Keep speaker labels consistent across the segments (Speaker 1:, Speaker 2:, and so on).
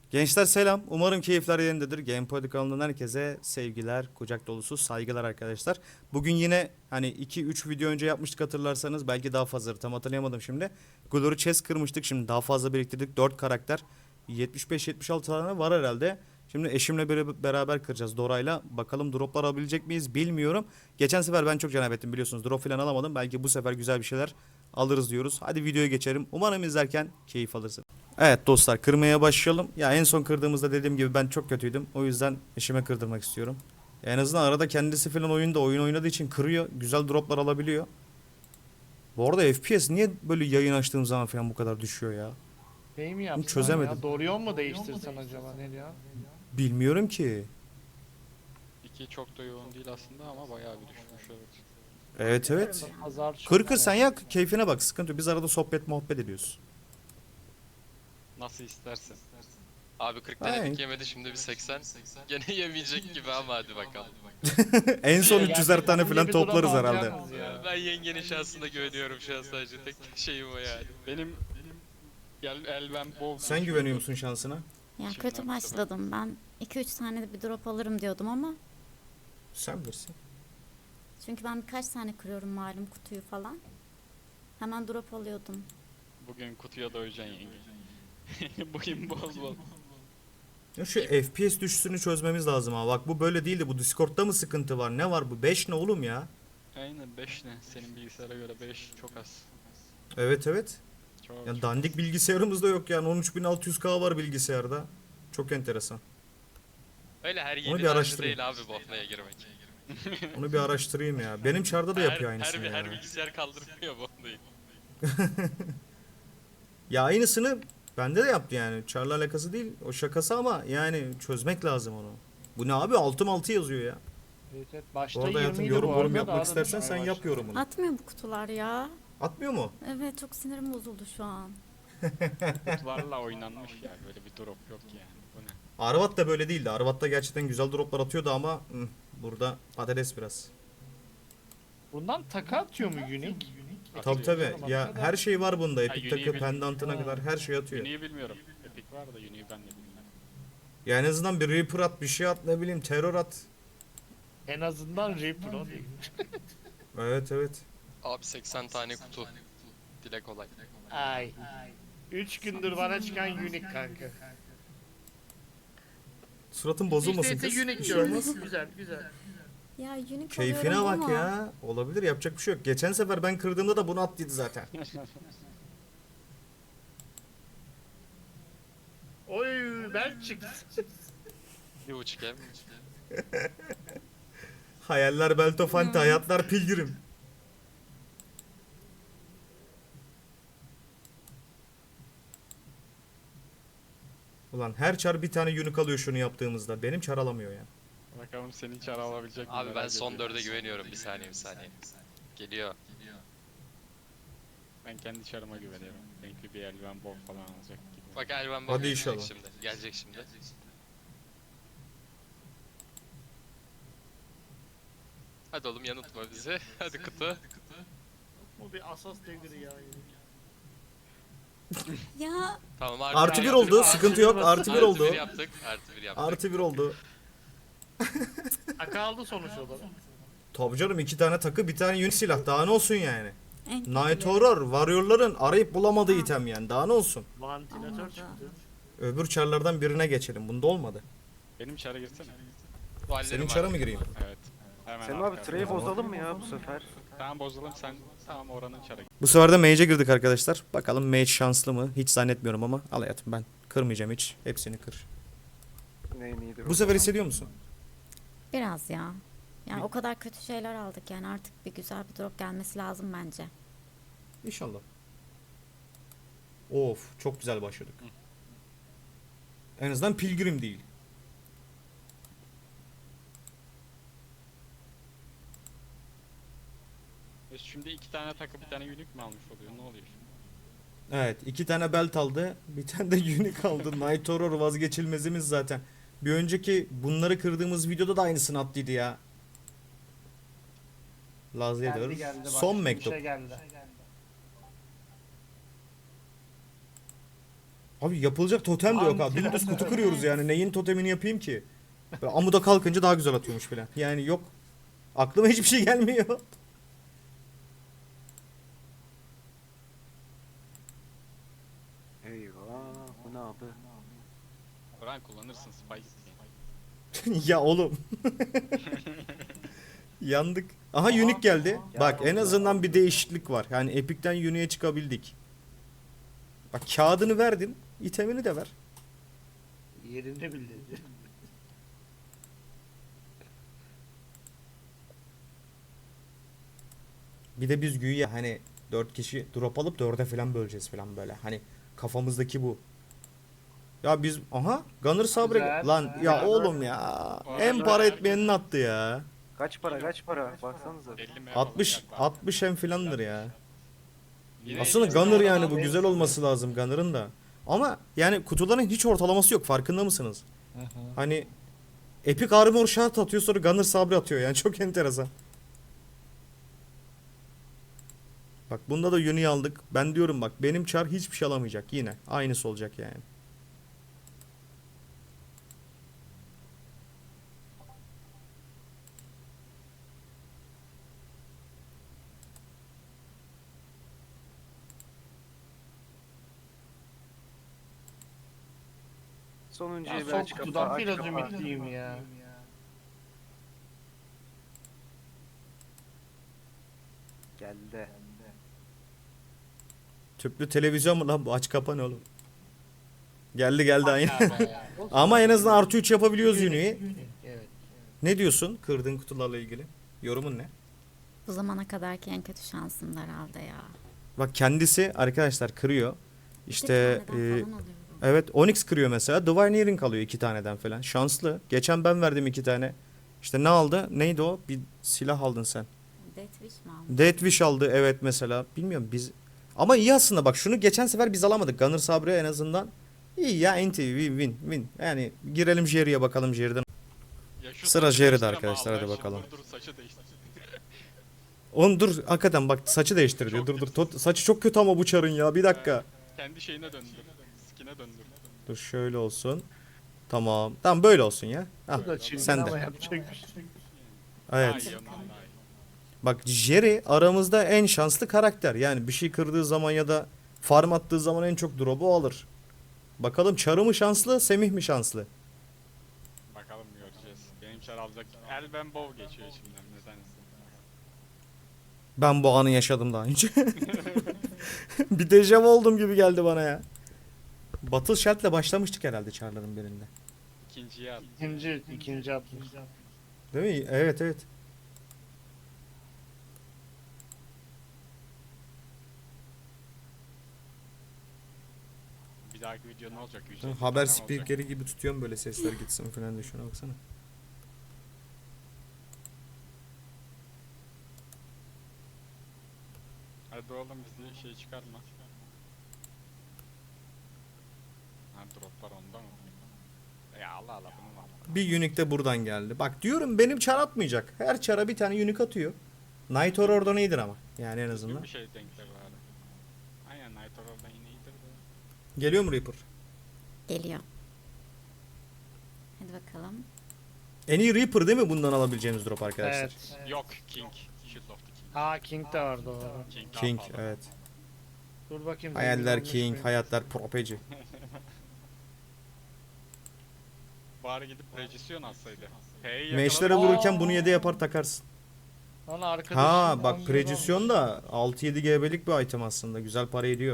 Speaker 1: Gençler selam. Umarım keyifler yerindedir. GamePod kanalından herkese sevgiler, kucak dolusu saygılar arkadaşlar. Bugün yine hani 2-3 video önce yapmıştık hatırlarsanız. Belki daha fazla tam hatırlayamadım şimdi. Glory Chest kırmıştık. Şimdi daha fazla biriktirdik. 4 karakter. 75-76 tane var herhalde. Şimdi eşimle beraber kıracağız Dora'yla. Bakalım droplar alabilecek miyiz bilmiyorum. Geçen sefer ben çok cenab ettim biliyorsunuz. Drop falan alamadım. Belki bu sefer güzel bir şeyler alırız diyoruz. Hadi videoya geçelim. Umarım izlerken keyif alırsınız. Evet dostlar kırmaya başlayalım. Ya en son kırdığımızda dediğim gibi ben çok kötüydüm. O yüzden eşime kırdırmak istiyorum. En azından arada kendisi falan oyun oynadığı için kırıyor. Güzel droplar alabiliyor. Bu arada FPS niye böyle yayın açtığım zaman falan bu kadar düşüyor ya?
Speaker 2: Şey mi
Speaker 1: Bunu
Speaker 2: yapsan
Speaker 1: çözemedim.
Speaker 2: ya? Dorion mu değiştirsen acaba ne ya?
Speaker 1: Bilmiyorum ki.
Speaker 3: İki çok da yoğun değil aslında ama bayağı bir düşmüş evet.
Speaker 1: Evet evet.
Speaker 2: Pazar
Speaker 1: Kır
Speaker 2: çok
Speaker 1: kır sen
Speaker 2: ya.
Speaker 1: yak keyfine bak sıkıntı yok. Biz arada sohbet muhabbet ediyoruz.
Speaker 3: Nasıl istersen.
Speaker 4: Abi 40
Speaker 1: Aynen.
Speaker 4: denedik yemedi şimdi bir 80. Gene yemeyecek gibi ama hadi bakalım.
Speaker 1: En son
Speaker 2: Ya
Speaker 1: 300'er tane
Speaker 2: sizin
Speaker 1: falan
Speaker 2: bir drop
Speaker 1: toplarız herhalde.
Speaker 2: alacaksınız ya.
Speaker 4: Ben yengenin şansına güveniyorum şu an sadece tek şeyim o yani.
Speaker 3: Benim elbem bol.
Speaker 1: Sen güveniyor musun şansına?
Speaker 5: Ya
Speaker 3: İçimden
Speaker 5: kötü
Speaker 3: bir
Speaker 5: başladım. Ben 2-3 tane de bir drop alırım diyordum ama
Speaker 1: Sen bilirsin.
Speaker 5: çünkü ben birkaç tane kırıyorum malum kutuyu falan. Hemen drop alıyordum.
Speaker 3: Bugün kutuya doyacaksın yenge. Bugün bol bol.
Speaker 1: Ya şu FPS düşüşünü çözmemiz lazım ha. Bak bu böyle değildi. Bu Discord'da mı sıkıntı var? Ne var bu? 5 ne oğlum ya?
Speaker 3: Aynen 5 ne? Senin bilgisayara göre 5 çok az.
Speaker 1: Evet evet.
Speaker 3: Çok
Speaker 1: Ya
Speaker 3: çok
Speaker 1: dandik
Speaker 3: az.
Speaker 1: bilgisayarımız da yok yani 13.600K var bilgisayarda. Çok enteresan.
Speaker 4: Öyle her
Speaker 1: bir
Speaker 4: yiğidin harcı
Speaker 1: araştırayım.
Speaker 4: değil abi Bofna'ya girmek.
Speaker 1: Onu bir araştırayım ya. Benim çarda da yapıyor aynısını ya.
Speaker 4: Her bilgisayar kaldırmıyor Bofna'yı.
Speaker 1: Ya aynısını bende de yaptı yani. Çarla alakası değil. O şakası ama yani çözmek lazım onu. Bu ne abi? Altım altı yazıyor ya.
Speaker 2: Evet, evet.
Speaker 1: Bu
Speaker 2: Başta
Speaker 1: arada hayatım
Speaker 2: 20'ydi bu
Speaker 1: yorum
Speaker 2: arada
Speaker 1: yapmak
Speaker 2: daha da
Speaker 1: istersen
Speaker 2: düşmeye
Speaker 1: sen yap
Speaker 2: başladı.
Speaker 1: yorumunu.
Speaker 5: Atmıyor bu kutular ya.
Speaker 1: Atmıyor mu?
Speaker 5: Evet çok sinirim bozuldu şu an.
Speaker 3: Kutularla oynanmış ya. Böyle bir drop yok yani. Bu ne?
Speaker 1: Arvat da böyle değildi. Arvat'ta gerçekten güzel droplar atıyordu ama burada patates biraz.
Speaker 2: Bundan taka atıyor mu Unique?
Speaker 1: Tabi tabi. Ya her şey var bunda. Epic
Speaker 3: Unique'i
Speaker 1: takı,
Speaker 3: bilmiyorum.
Speaker 1: pendantına kadar her şey atıyor.
Speaker 3: Uni'yi bilmiyorum. Epic var da Uni'yi ben de bilmiyorum.
Speaker 1: Ya en azından bir Reaper at, bir şey at, ne bileyim terör at.
Speaker 2: En azından Reaper o değil.
Speaker 1: Evet evet.
Speaker 4: Abi 80 tane kutu. Dile kolay.
Speaker 2: Ay. 3 gündür bana çıkan Unique kanka.
Speaker 1: Suratın bozulmasın
Speaker 2: İşte
Speaker 1: kız.
Speaker 2: Unique
Speaker 1: Bir şey
Speaker 2: diyorum.
Speaker 1: olmaz.
Speaker 2: Güzel güzel.
Speaker 5: Ya unique
Speaker 1: Keyfine
Speaker 5: alıyorum
Speaker 1: bak
Speaker 5: ama
Speaker 1: ya. Olabilir yapacak bir şey yok. Geçen sefer ben kırdığımda da bunu at dedi zaten.
Speaker 2: Oy ben çıktı.
Speaker 4: Bir buçuk ev.
Speaker 1: Hayaller Beltofanti, hayatlar pilgrim. Ulan her çar bir tane unique alıyor şunu yaptığımızda. Benim çar alamıyor ya.
Speaker 3: Bakalım senin çare alabilecek mi?
Speaker 4: Abi ben
Speaker 3: merak
Speaker 4: son
Speaker 3: ediyorum.
Speaker 4: 4'e güveniyorum. Bir saniye. Geliyor.
Speaker 3: Ben kendi çarıma güveniyorum. Renkli bir eldiven bol falan alacak gibi.
Speaker 4: Bak Elvan
Speaker 1: Hadi
Speaker 4: gelecek
Speaker 1: inşallah.
Speaker 4: şimdi. Gelecek şimdi. Hadi oğlum yanıltma bizi. Hadi kutu.
Speaker 2: Bu bir asas devri ya.
Speaker 5: ya
Speaker 4: Tamam
Speaker 1: Artı bir
Speaker 4: yaptık.
Speaker 1: oldu. Sıkıntı yok. Artı bir
Speaker 4: Artı
Speaker 1: oldu.
Speaker 4: bir yaptık. Artı bir yaptık.
Speaker 1: Artı bir oldu.
Speaker 2: Taka aldı sonuç olarak.
Speaker 1: Tabii canım 2 tane takı bir tane unique silah. Daha ne olsun yani?
Speaker 5: en
Speaker 1: Night
Speaker 5: kötüleri.
Speaker 1: Horror, Warrior'ların arayıp bulamadığı item yani. Daha ne olsun?
Speaker 2: Vantilatör
Speaker 5: Olmadı.
Speaker 2: çıktı.
Speaker 1: Öbür çarlardan birine geçelim. Bunda olmadı.
Speaker 3: Benim çara girsene.
Speaker 4: Duallerim
Speaker 1: Senin
Speaker 4: var.
Speaker 1: çara mı gireyim?
Speaker 3: Evet. Hemen
Speaker 6: Selim abi
Speaker 3: arkada.
Speaker 6: treyi bozalım mı ya bu sefer?
Speaker 3: Tamam bozalım sen tamam oranın çara gir.
Speaker 1: Bu sefer de Mage'e girdik arkadaşlar. Bakalım Mage şanslı mı? Hiç zannetmiyorum ama al hayatım ben kırmayacağım hiç. Hepsini kır.
Speaker 6: Neyin iyidir
Speaker 1: Bu sefer hissediyor musun?
Speaker 5: Biraz ya. Yani o kadar kötü şeyler aldık yani artık bir güzel bir drop gelmesi lazım bence.
Speaker 1: İnşallah. Of çok güzel başladık. En azından pilgrim değil.
Speaker 3: Şimdi iki tane takı bir tane unique mi almış oluyor? Ne oluyor şimdi?
Speaker 1: Evet 2 tane belt aldı. Bir tane de unique aldı. Night Horror vazgeçilmezimiz zaten. Bir önceki bunları kırdığımız videoda da aynısını attıydı ya. Laz ediyoruz.
Speaker 2: Bak,
Speaker 1: Son
Speaker 2: bir
Speaker 1: mektup.
Speaker 2: şey geldi.
Speaker 1: Abi yapılacak totem de yok abi. Dümdüz kutu kırıyoruz yani. Neyin totemini yapayım ki? Böyle amuda kalkınca daha güzel atıyormuş falan. Yani yok. Aklıma hiçbir şey gelmiyor.
Speaker 6: Eyvah. Bu ne abi?
Speaker 3: Buran kullanırsın Spice.
Speaker 1: Ya oğlum. Yandık. Aha Unique geldi. Bak en azından bir değişiklik var. Yani Epic'ten Unique'e çıkabildik. Bak kağıdını verdin. İtemini de ver.
Speaker 2: Yerinde bildirdi.
Speaker 1: Bir de biz güya hani 4 kişi drop alıp 4'e falan böleceğiz falan böyle. Hani kafamızdaki bu. Ya biz aha Gunner Sabre
Speaker 2: Güzel.
Speaker 1: lan ya oğlum ya. En para etmeyenin attı ya.
Speaker 6: Kaç para kaç para? Baksanıza.
Speaker 3: 50 mi
Speaker 1: 60
Speaker 3: yapalım?
Speaker 1: 60 hem filandır ya.
Speaker 3: Yine
Speaker 1: Aslında
Speaker 3: iyi.
Speaker 1: Gunner yani bu güzel olması lazım Gunner'ın da. Ama yani kutuların hiç ortalaması yok farkında mısınız? Hani Epic Armor Shard atıyor sonra Gunner Sabre atıyor yani çok enteresan. Bak bunda da Uni'yi aldık. Ben diyorum bak benim çar hiçbir şey alamayacak yine. Aynısı olacak yani.
Speaker 6: Sonuncuyu
Speaker 2: Ya
Speaker 6: bir
Speaker 2: son
Speaker 6: aç kapa,
Speaker 2: kutudan
Speaker 6: aç
Speaker 2: biraz
Speaker 6: kapa.
Speaker 2: ümitliyim ya.
Speaker 6: Geldi.
Speaker 1: Tüplü televizyon mu lan bu aç kapa ne oğlum? Geldi geldi aynı.
Speaker 2: Ya.
Speaker 1: Ama en azından artı 3 yapabiliyoruz Uni'yi.
Speaker 2: Evet.
Speaker 1: Ne diyorsun kırdığın kutularla ilgili? Yorumun ne?
Speaker 5: Bu zamana kadarki en kötü şansım herhalde ya.
Speaker 1: Bak kendisi arkadaşlar kırıyor. İşte
Speaker 5: Bir taneden falan alıyorum.
Speaker 1: evet Onyx kırıyor mesela. Divine Earring alıyor 2 taneden falan. Şanslı. Geçen ben verdim 2 tane. İşte ne aldı? Neydi o? Bir silah aldın sen.
Speaker 5: Death Wish mi aldım?
Speaker 1: Death Wish aldı evet mesela. Bilmiyorum biz. Ama iyi aslında bak şunu geçen sefer biz alamadık. Gunner Sabre en azından. İyi ya enti win. Yani girelim Jerry'e bakalım Jerry'den.
Speaker 3: Ya şu
Speaker 1: Sıra
Speaker 3: saçı
Speaker 1: Jerry'de
Speaker 3: değiştirme
Speaker 1: arkadaşlar,
Speaker 3: Allah
Speaker 1: hadi
Speaker 3: aşkına.
Speaker 1: bakalım.
Speaker 3: Dur saçı değiştir.
Speaker 1: Oğlum dur hakikaten bak saçı değiştir diyor.
Speaker 3: Çok
Speaker 1: Dur. Saçı çok kötü ama bu çarın ya. Bir dakika.
Speaker 3: Kendi şeyine döndür. Skin'e döndür.
Speaker 1: Dur şöyle olsun. Tamam. Tamam böyle olsun ya.
Speaker 2: Bu da
Speaker 1: Ah,
Speaker 2: çirkin
Speaker 1: sen
Speaker 2: ama
Speaker 1: de.
Speaker 2: yapacak bir şey.
Speaker 3: Daha
Speaker 1: Evet.
Speaker 3: iyi ama daha iyi.
Speaker 1: Bak Jerry aramızda en şanslı karakter. Yani bir şey kırdığı zaman ya da farm attığı zaman en çok drop'u alır. Bakalım Çarı mı şanslı, Semih mi şanslı?
Speaker 3: Bakalım göreceğiz. Benim çar alacak. Elben Bow geçiyor içimden nedense.
Speaker 1: Ben bu anı yaşadım daha önce. Bir dejavu oldum gibi geldi bana ya. Battle Shard'le başlamıştık herhalde Çarların birinde.
Speaker 3: İkinciye at.
Speaker 2: İkinci atmış.
Speaker 1: Değil mi? Evet evet.
Speaker 3: Bir dahaki video ne olacak? 150
Speaker 1: Haber
Speaker 3: tane olacak.
Speaker 1: spikeri gibi tutuyorum böyle sesler gitsin falan diye şuna baksana.
Speaker 3: Hadi oğlum bizi şey çıkarma. Ha droplar onda mı? Ya Allah Allah bunu mu al?
Speaker 1: Bir Unique de buradan geldi. Bak diyorum benim çar atmayacak. Her çara bir tane Unique atıyor. Night Horror'dan iyidir ama. Yani en azından.
Speaker 3: Bir şey denkler var. Aynen Night Horror'dan yine iyidir de.
Speaker 1: Geliyor mu Reaper?
Speaker 5: Geliyor. Hadi bakalım.
Speaker 1: En iyi Reaper değil mi bundan alabileceğimiz drop arkadaşlar?
Speaker 2: Evet.
Speaker 3: Yok King. Shield of the King.
Speaker 2: Aa King de var doğru.
Speaker 3: King, daha
Speaker 1: King
Speaker 3: pahalı.
Speaker 1: evet.
Speaker 2: Dur bakayım.
Speaker 1: Hayaller
Speaker 2: zengin
Speaker 1: King,
Speaker 2: olmuş muyum?
Speaker 1: hayatlar propeci.
Speaker 3: Bari gidip Regisyon alsaydı. Hey,
Speaker 1: Meşlere vururken bunu 7 yapar takarsın.
Speaker 2: Lan arkadaşım.
Speaker 1: Ha bak
Speaker 2: 10 lira
Speaker 1: Precision
Speaker 2: almış.
Speaker 1: da 6-7 GB'lik bir item aslında. Güzel para ediyor.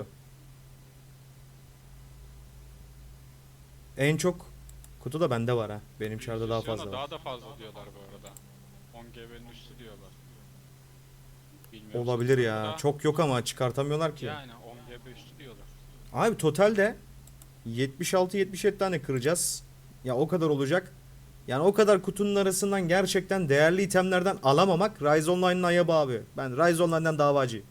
Speaker 1: En çok kutu da bende var ha. Benim çarda daha
Speaker 3: Regisyon'a
Speaker 1: fazla var.
Speaker 3: Daha da fazla diyorlar bu arada. 10 GB'nin üstü diyorlar. Bilmiyorum,
Speaker 1: Olabilir ya.
Speaker 3: sonuçta-
Speaker 1: Çok yok ama çıkartamıyorlar ki.
Speaker 3: Yani 10 GB üstü diyorlar.
Speaker 1: Abi totalde 76-77 tane kıracağız. Ya o kadar olacak. Yani o kadar kutunun arasından gerçekten değerli itemlerden alamamak Rise Online'ın ayıbı abi. Ben Rise Online'dan davacıyım.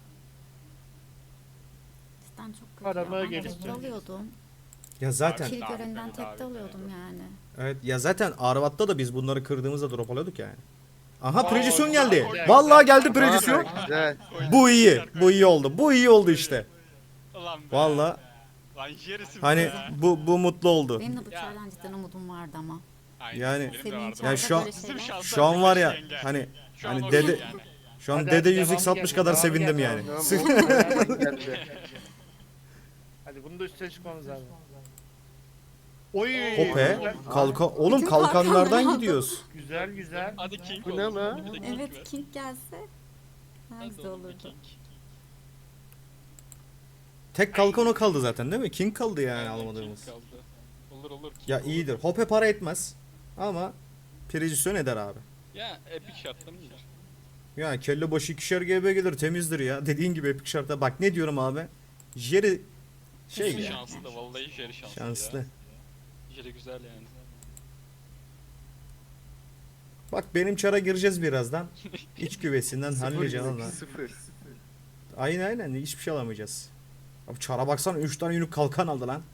Speaker 5: Cidden çok kötü
Speaker 2: Paramı
Speaker 5: ya. Ben
Speaker 2: geliştirdim.
Speaker 5: tekte alıyordum.
Speaker 1: Ya zaten
Speaker 5: Kill
Speaker 3: Daha
Speaker 5: göründen
Speaker 3: bitmedi, daha
Speaker 5: tekte
Speaker 3: bitmedi.
Speaker 5: alıyordum yani.
Speaker 1: evet ya zaten Arvat'ta da biz bunları kırdığımızda drop alıyorduk yani. Aha
Speaker 3: Oo,
Speaker 1: Precision
Speaker 3: güzel,
Speaker 1: geldi.
Speaker 3: güzel.
Speaker 1: Vallahi geldi Precision.
Speaker 6: Güzel.
Speaker 1: Bu iyi. Bu iyi oldu. Bu iyi oldu işte.
Speaker 3: Ulan be.
Speaker 1: Vallahi
Speaker 3: Lan Jerry'sin
Speaker 1: Hani
Speaker 3: be.
Speaker 1: bu mutlu oldu.
Speaker 5: Benim de bu
Speaker 3: Ya.
Speaker 5: çardan cidden umudum vardı ama.
Speaker 3: Aynen,
Speaker 1: Yani-
Speaker 3: benim de
Speaker 5: Senin
Speaker 3: vardı.
Speaker 5: çarda
Speaker 1: Yani şu an-
Speaker 5: böyle şeyler.
Speaker 3: Sırf şanslar
Speaker 1: Şu an var ya
Speaker 3: yenge.
Speaker 1: hani
Speaker 3: Şu an
Speaker 1: hani
Speaker 3: okey
Speaker 1: dede
Speaker 3: yani.
Speaker 1: şu an
Speaker 2: Hadi
Speaker 1: dede
Speaker 2: devamı
Speaker 1: 100x60
Speaker 2: geldi,
Speaker 1: kadar
Speaker 2: devamı
Speaker 1: sevindim
Speaker 2: geldi.
Speaker 1: yani.
Speaker 6: Tamam, geldi.
Speaker 2: Hadi bunu da üstüne çıkmamız lazım. Oy.
Speaker 1: Hope
Speaker 2: güzel.
Speaker 1: kalkan oğlum
Speaker 5: Bütün
Speaker 1: kalkanlardan
Speaker 5: kalkanları
Speaker 1: gidiyoruz.
Speaker 2: Güzel güzel.
Speaker 3: Hadi King
Speaker 6: Bu ne
Speaker 3: olsun.
Speaker 6: lan?
Speaker 3: Bir de King ver.
Speaker 5: Evet King gelse daha
Speaker 3: Hadi
Speaker 5: güzel
Speaker 3: oğlum bir
Speaker 5: olurdu.
Speaker 3: King.
Speaker 1: Tek kalkan o kaldı zaten değil mi? King kaldı yani
Speaker 3: Aynen,
Speaker 1: almadığımız.
Speaker 3: King kaldı. Olur King
Speaker 1: Ya
Speaker 3: olur.
Speaker 1: iyidir. Hope para etmez. Ama Precision eder abi.
Speaker 3: Ya epic şartlı mıdır?
Speaker 1: Ya kelle başı 2'şer GB gelir temizdir ya. Dediğin gibi epic şartta. Bak ne diyorum abi. Jerry şey
Speaker 5: Kesin
Speaker 1: ya.
Speaker 3: Şanslı da vallahi Jerry şanslı,
Speaker 1: Şanslı.
Speaker 3: ya. Jerry güzel yani.
Speaker 1: Bak benim çara gireceğiz birazdan. İç güvesinden halledeceğim ama.
Speaker 6: 0.
Speaker 1: Aynen hiçbir şey alamayacağız. Abi çara baksana 3 tane yünlük kalkan aldı lan.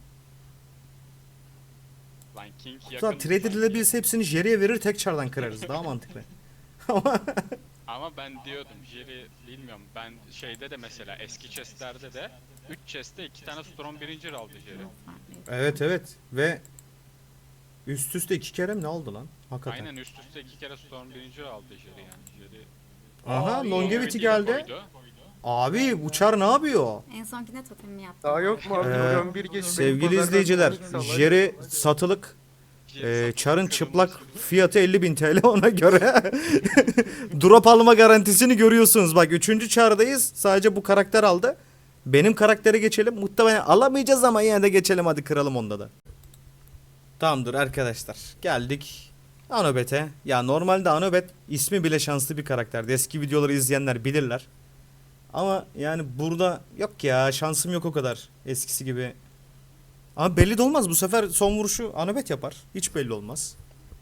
Speaker 3: Lan King
Speaker 1: Hatta
Speaker 3: yakın.
Speaker 1: trade edilebilse hepsini Jerry'e verir tek çardan kırarız. Daha mantıklı.
Speaker 3: Ama ben diyordum Jerry bilmiyorum. Ben şeyde de mesela eski chestlerde de 3 chestte 2 tane Storm birinci aldı Jerry.
Speaker 1: Evet ve üst üste 2 kere mi ne aldı lan? Hakikaten.
Speaker 3: Aynen üst üste 2 kere Storm birinci aldı Jerry yani. Jerry
Speaker 1: Aha longevity
Speaker 3: Longevity'yi de
Speaker 1: geldi.
Speaker 3: koydu.
Speaker 1: Abi bu çar ne yapıyor?
Speaker 5: En sonkine totemimi yaptım.
Speaker 6: Daha yok mu abi?
Speaker 1: Ee,
Speaker 6: Milyon bir geç.
Speaker 1: Sevgili
Speaker 6: Pazardan
Speaker 1: izleyiciler,
Speaker 6: 12 salar.
Speaker 1: Jerry satılık.
Speaker 3: Jerry satın
Speaker 1: Çarın
Speaker 3: kırılmış.
Speaker 1: çıplak fiyatı 50.000 TL ona göre. Drop alma garantisini görüyorsunuz. Bak 3. çardayız. Sadece bu karakter aldı. Benim karaktere geçelim. Muhtemelen alamayacağız ama yine de geçelim hadi kıralım onda da. Tamamdır arkadaşlar. Geldik Anobet'e. Ya normalde Anobet ismi bile şanslı bir karakterdi. Eski videoları izleyenler bilirler. Ama yani burada yok ya şansım yok o kadar eskisi gibi. Ama belli de olmaz. Bu sefer son vuruşu Anobet yapar. Hiç belli olmaz.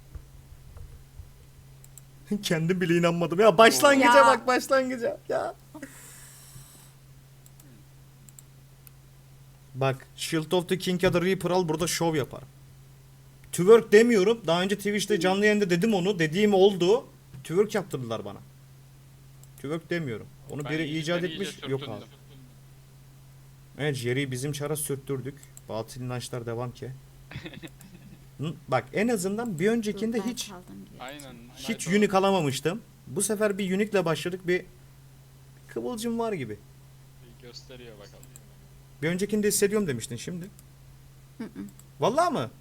Speaker 1: Kendim bile inanmadım. Ya başlangıca
Speaker 5: Ya.
Speaker 1: bak başlangıca. Ya. Bak Shield of the King ya da Reaper al burada şov yapar. Twerk demiyorum. Daha önce Twitch'te canlı yayında dedim onu. Dediğim oldu. Twerk yaptırdılar bana. Twerk demiyorum. Onu
Speaker 3: Ben
Speaker 1: biri
Speaker 3: iyice-
Speaker 1: icat
Speaker 3: ben iyice
Speaker 1: etmiş. Yok
Speaker 3: sürtündüm.
Speaker 1: abi. Evet Jerry'i bizim çara sürttürdük. Batıl inançlar devam ki. Hı, bak en azından bir öncekinde
Speaker 5: Ben
Speaker 1: hiç
Speaker 5: kaldım gibi.
Speaker 3: Aynen.
Speaker 1: hiç unique alamamıştım. Bu sefer bir unique'le başladık. Bir kıvılcım var gibi.
Speaker 3: Gösteriyor bakalım.
Speaker 1: Bir öncekinde hissediyorum demiştin şimdi.
Speaker 5: Hı hı.
Speaker 1: Vallahi mı?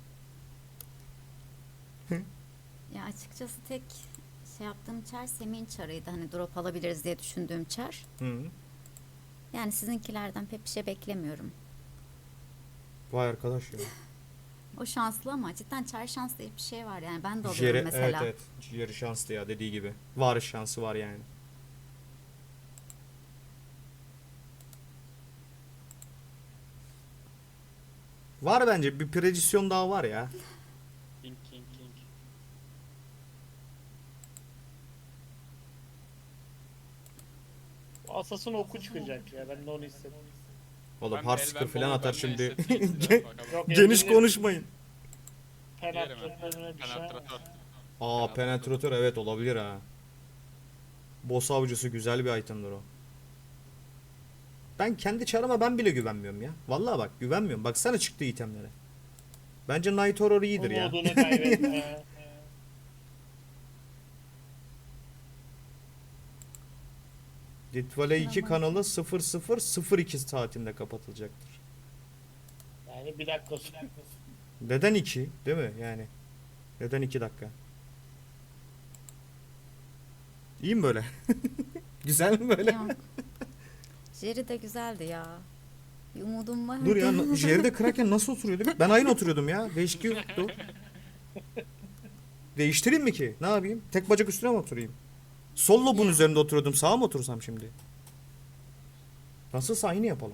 Speaker 5: Ya açıkçası tek şey yaptığım çar Semih'in çarıydı. Hani drop alabiliriz diye düşündüğüm çar.
Speaker 1: Hı.
Speaker 5: Yani sizinkilerden pek bir şey beklemiyorum.
Speaker 1: Vay arkadaş ya.
Speaker 5: O şanslı ama cidden çar şans diye bir şey var yani. Ben de alıyorum
Speaker 1: Jerry, evet
Speaker 5: mesela.
Speaker 1: evet. Jerry şanslı ya dediği gibi. Var şansı var yani. Var bence bir predisyon daha var ya.
Speaker 3: King.
Speaker 2: Asasın oku çıkacak ya. Ben de onu hissettim.
Speaker 1: Oğlum
Speaker 3: Ben
Speaker 1: Heartseeker
Speaker 3: Elven
Speaker 1: falan
Speaker 3: Bowl'u
Speaker 1: atar
Speaker 3: ben de
Speaker 1: şimdi.
Speaker 3: hissettim işte, bakalım.
Speaker 2: Yok,
Speaker 1: Geniş
Speaker 2: elinde
Speaker 1: konuşmayın.
Speaker 2: penetratörüne düşer.
Speaker 3: Penetratör.
Speaker 1: Aa penetratör evet olabilir ha. Boss avcısı güzel bir itemdir o. Ben kendi çarıma ben bile güvenmiyorum ya. Vallahi bak güvenmiyorum. Baksana çıktığı itemlere. Bence Night Horror iyidir ya.
Speaker 2: Umudunu kaybetme.
Speaker 1: Litvale 2 kanalı 0002 saatinde kapatılacaktır.
Speaker 2: Yani bir dakika sonra.
Speaker 1: Neden 2? Değil mi? Yani. Neden 2 dakika? İyi mi böyle? Güzel mi böyle?
Speaker 5: Yok. Jerry de güzeldi ya. Bir umudum vardı.
Speaker 1: Dur ya Jerry'de Kraken nasıl oturuyordu? Ben aynı oturuyordum ya. Değişik yoktu. Değiştireyim mi ki? Ne yapayım? Tek bacak üstüne mi oturayım? Sol lobun üzerinde oturuyordum. Sağa mı otursam şimdi? Nasılsa aynı yapalım.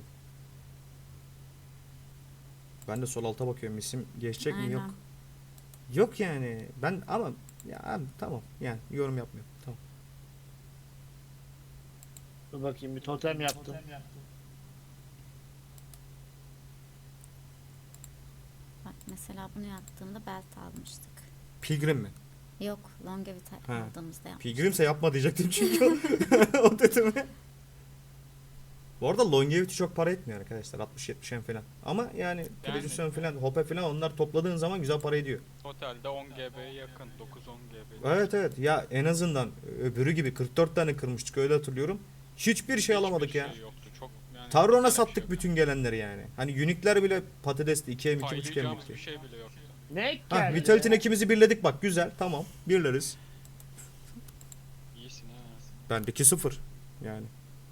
Speaker 1: Ben de sol alta bakıyorum. İsim geçecek mi?
Speaker 5: Aynen.
Speaker 1: Yok. Yok yani. Ben ama ya abi, tamam. Yani yorum yapmıyorum. Tamam.
Speaker 2: Dur bakayım bir totem yaptım.
Speaker 5: Bak mesela bunu yaptığımda belt almıştık.
Speaker 1: Pilgrim mi?
Speaker 5: Yok longevity
Speaker 1: Ha.
Speaker 5: aldığımızda yapmıştık.
Speaker 1: Pilgrimse yapma diyecektim çünkü o, o dedi mi? Bu arada longevity çok para etmiyor arkadaşlar. 60-70 falan. Ama yani Precision falan, Hope falan onlar topladığın zaman güzel para ediyor.
Speaker 3: Totalde 10 GB'ye yakın. 9-10 GB.
Speaker 1: Evet evet ya en azından öbürü gibi 44 tane kırmıştık öyle hatırlıyorum. Hiçbir şey alamadık
Speaker 3: Hiçbir
Speaker 1: ya.
Speaker 3: şey yoktu. Çok yani
Speaker 1: Tarron'a
Speaker 3: güzel bir
Speaker 1: sattık
Speaker 3: şey.
Speaker 1: bütün gelenleri yani. Hani Unique'ler bile patatesli 2M 2.5
Speaker 3: Paylayacağımız bir
Speaker 1: M2.
Speaker 3: şey bile yoktu.
Speaker 2: Ne
Speaker 1: Ha
Speaker 2: geldi?
Speaker 1: Vitality'nin ikimizi birledik bak güzel tamam birleriz.
Speaker 3: İyisin ha.
Speaker 1: Bendeki 0 yani.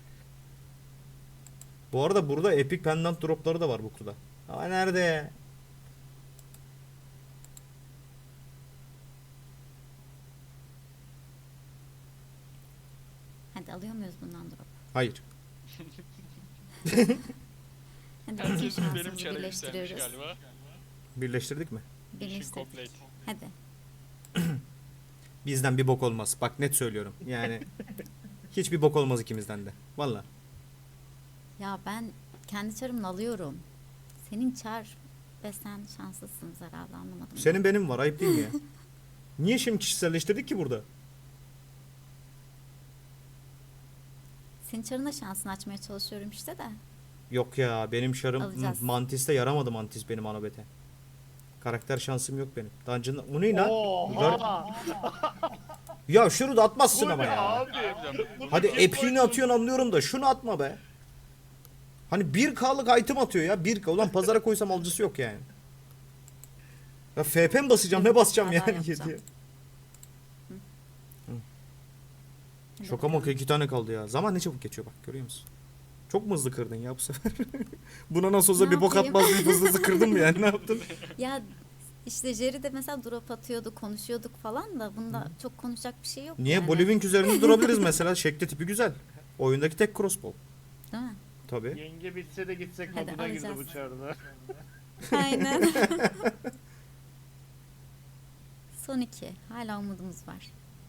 Speaker 1: Bu arada burada Epic Pendant dropları da var bu kutuda. Ama nerede?
Speaker 5: Hadi alıyor muyuz bundan drop?
Speaker 1: Hayır.
Speaker 5: Hadi bütün
Speaker 3: Herkesin benim
Speaker 5: şansımızı
Speaker 3: çare yükselmiş
Speaker 5: birleştiriyoruz.
Speaker 3: galiba.
Speaker 1: Birleştirdik mi?
Speaker 3: Mission
Speaker 5: Birleştirdik.
Speaker 3: complete.
Speaker 5: Hadi.
Speaker 1: Bizden bir bok olmaz. Bak net söylüyorum. Yani hiçbir bok olmaz ikimizden de. Valla.
Speaker 5: Ya ben kendi çarımla alıyorum. Senin çar ve sen şanslısınız herhalde anlamadım.
Speaker 1: Senin benim var ayıp değil mi ya? Niye şimdi kişiselleştirdik ki burada?
Speaker 5: Senin çarına şansını açmaya çalışıyorum işte de.
Speaker 1: Yok ya benim şarım
Speaker 5: Alacağız.
Speaker 1: Mantis'te yaramadı Mantis benim anabete. Karakter şansım yok benim. Dungeon'da... Bu ne lan?
Speaker 2: Oha!
Speaker 1: Ya şunu da atmazsın
Speaker 2: Bu
Speaker 1: ama
Speaker 2: ne
Speaker 1: ya.
Speaker 2: abi?
Speaker 1: Hadi
Speaker 2: Kim
Speaker 1: epiğini
Speaker 2: koydu?
Speaker 1: atıyorsun anlıyorum da şunu atma be. Hani 1K'lık item atıyor ya 1K. Ulan pazara koysam alıcısı yok yani. Ya FP mi basacağım ne basacağım
Speaker 5: Hata
Speaker 1: yani
Speaker 5: yapacağım.
Speaker 1: diye.
Speaker 5: Hadi
Speaker 1: Şoka
Speaker 5: bakalım.
Speaker 1: moka 2 tane kaldı ya. Zaman ne çabuk geçiyor bak görüyor musun? Çok mu hızlı kırdın ya bu sefer? Buna nasıl olsa
Speaker 5: Ne
Speaker 1: bir bok
Speaker 5: yapayım?
Speaker 1: atmaz bir hızlı hızlı kırdın mı yani ne yaptın?
Speaker 5: Ya işte Jerry de mesela drop atıyordu, konuşuyorduk falan da bunda çok konuşacak bir şey yok
Speaker 1: Niye?
Speaker 5: yani.
Speaker 1: Boliving üzerinde durabiliriz mesela. Şekli tipi güzel. Oyundaki tek crossbow.
Speaker 5: Değil mi?
Speaker 1: Tabii.
Speaker 2: Yenge bitse de gitsek
Speaker 5: Hadi
Speaker 2: moduna girdi
Speaker 5: alacağız.
Speaker 2: bu çarda.
Speaker 5: Aynen. Son 2. Hala umudumuz var.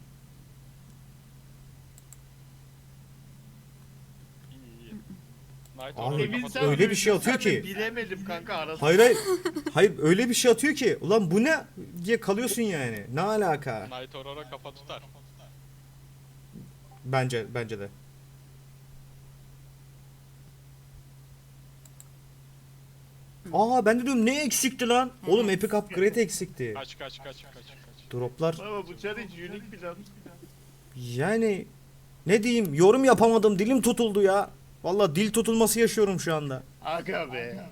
Speaker 3: İyi iyi. Night
Speaker 1: Abi,
Speaker 3: Horror'ı
Speaker 2: Emin
Speaker 3: kapatalım.
Speaker 2: sen
Speaker 1: öyle bir şey atıyor
Speaker 2: bilirsen de
Speaker 1: ki.
Speaker 2: Bilemedim kanka arası.
Speaker 1: Hayır hayır. Hayır öyle bir şey atıyor ki. Ulan bu ne? Diye kalıyorsun yani. Ne alaka?
Speaker 3: Night Horror'a kafa tutar.
Speaker 1: Bence de. Aa ben de diyorum ne eksikti lan? Oğlum
Speaker 5: Evet.
Speaker 1: Epic Upgrade eksikti.
Speaker 3: Kaç.
Speaker 1: Droplar
Speaker 2: Ama bu çar hiç unique plan.
Speaker 1: yani ne diyeyim yorum yapamadım dilim tutuldu ya. Valla dil tutulması yaşıyorum şu anda.
Speaker 2: Aga be.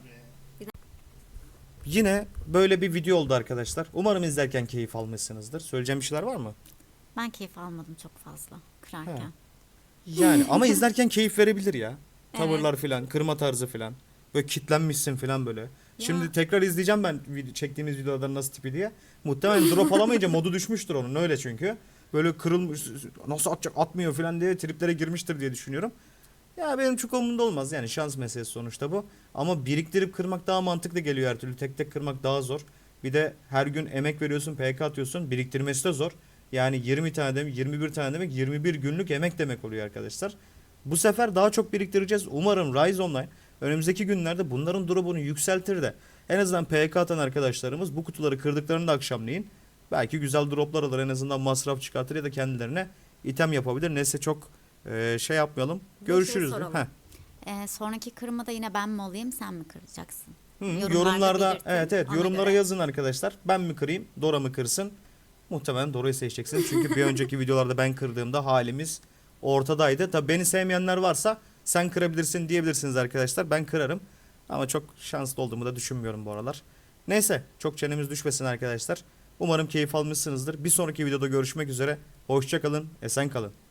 Speaker 1: Yine böyle bir video oldu arkadaşlar. Umarım izlerken keyif almışsınızdır. Söyleyeceğim bir şeyler var mı?
Speaker 5: Ben keyif almadım çok fazla kırarken.
Speaker 1: Yani ama izlerken keyif verebilir ya. Tavırlar
Speaker 5: Evet.
Speaker 1: filan, kırma tarzı filan. Böyle kitlenmişsin filan böyle. Şimdi
Speaker 5: Ya.
Speaker 1: tekrar izleyeceğim ben çektiğimiz videoların nasıl tipi diye. Muhtemelen drop alamayınca modu düşmüştür onun öyle çünkü. Böyle kırılmış nasıl atacak atmıyor filan diye triplere girmiştir diye düşünüyorum. Ya benim çok umurumda olmaz yani şans meselesi sonuçta bu. Ama biriktirip kırmak daha mantıklı geliyor her türlü. Tek tek kırmak daha zor. Bir de her gün emek veriyorsun, PK atıyorsun. Biriktirmesi de zor. Yani 20 tane demek, 21 tane demek, 21 günlük emek demek oluyor arkadaşlar. Bu sefer daha çok biriktireceğiz. Umarım Rise Online önümüzdeki günlerde bunların drop'unu yükseltir de en azından PK atan arkadaşlarımız bu kutuları kırdıklarında akşamleyin belki güzel droplar alır en azından masraf çıkartır ya da kendilerine item yapabilir. Neyse çok şey yapmayalım.
Speaker 5: Bir şey
Speaker 1: Görüşürüz.
Speaker 5: soralım.
Speaker 1: Heh.
Speaker 5: Sonraki kırmada yine ben mi olayım sen mi kıracaksın?
Speaker 1: Hı,
Speaker 5: Yorumlarda
Speaker 1: yorumlarda
Speaker 5: belirtin,
Speaker 1: evet
Speaker 5: ona
Speaker 1: yorumlara
Speaker 5: göre.
Speaker 1: yazın arkadaşlar. Ben mi kırayım, Dora mı kırsın? Muhtemelen Dora'yı seçeceksiniz. Çünkü bir önceki videolarda ben kırdığımda halimiz ortadaydı. Tabii beni sevmeyenler varsa sen kırabilirsin diyebilirsiniz arkadaşlar. Ben kırarım. Ama çok şanslı olduğumu da düşünmüyorum bu aralar. Neyse çok çenemiz düşmesin arkadaşlar. Umarım keyif almışsınızdır. Bir sonraki videoda görüşmek üzere. Hoşça kalın, esen kalın.